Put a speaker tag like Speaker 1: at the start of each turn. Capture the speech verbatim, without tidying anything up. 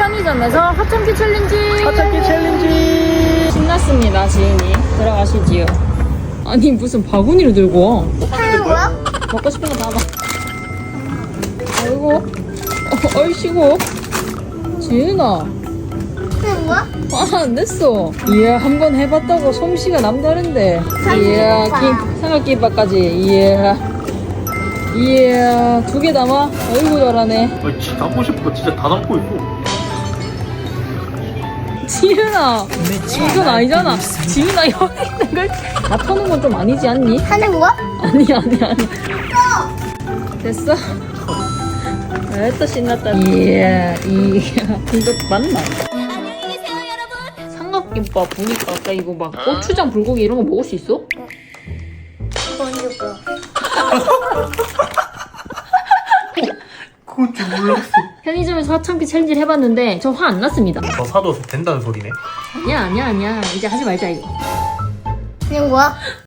Speaker 1: 편의점에서 하참기 챌린지.
Speaker 2: 하참기 챌린지.
Speaker 1: 신났습니다. 지인이 들어가시지요. 아니 무슨 바구니를 들고 와.
Speaker 3: 하는 거야?
Speaker 1: 먹고 싶은 거 다 봐. 아이고 어, 얼씨고 지은아
Speaker 3: 하는 거야?
Speaker 1: 아, 안 됐어. 이야, 한 번 해봤다고 솜씨가 남다른데. 이야, 김, 삼각김밥까지. 이야. 이야, 두 개 담아? 어이구, 잘하네.
Speaker 2: 아니 진짜 담고 싶은 거 진짜 다 담고 있고.
Speaker 1: 지은아, 이건 아니잖아. 지은아, 여기 있는 걸 다 터는 건 좀 아니지 않니?
Speaker 3: 하는 거야?
Speaker 1: 아니, 아니, 아니. 됐어? 아, 또 신났다. 이야, 이야. 이거 맞나? 삼각김밥 보니까 아까 이거 막 고추장, 불고기 이런 거 먹을 수 있어?
Speaker 3: 먼저 거.
Speaker 2: 그건 줄 몰랐어.
Speaker 1: 편의점에서 하참기 챌린지를 해봤는데 저 화 안 났습니다.
Speaker 2: 더 사도 된다는 소리네.
Speaker 1: 아니야 아니야 아니야 이제 하지 말자 이거.
Speaker 3: 하는 거야?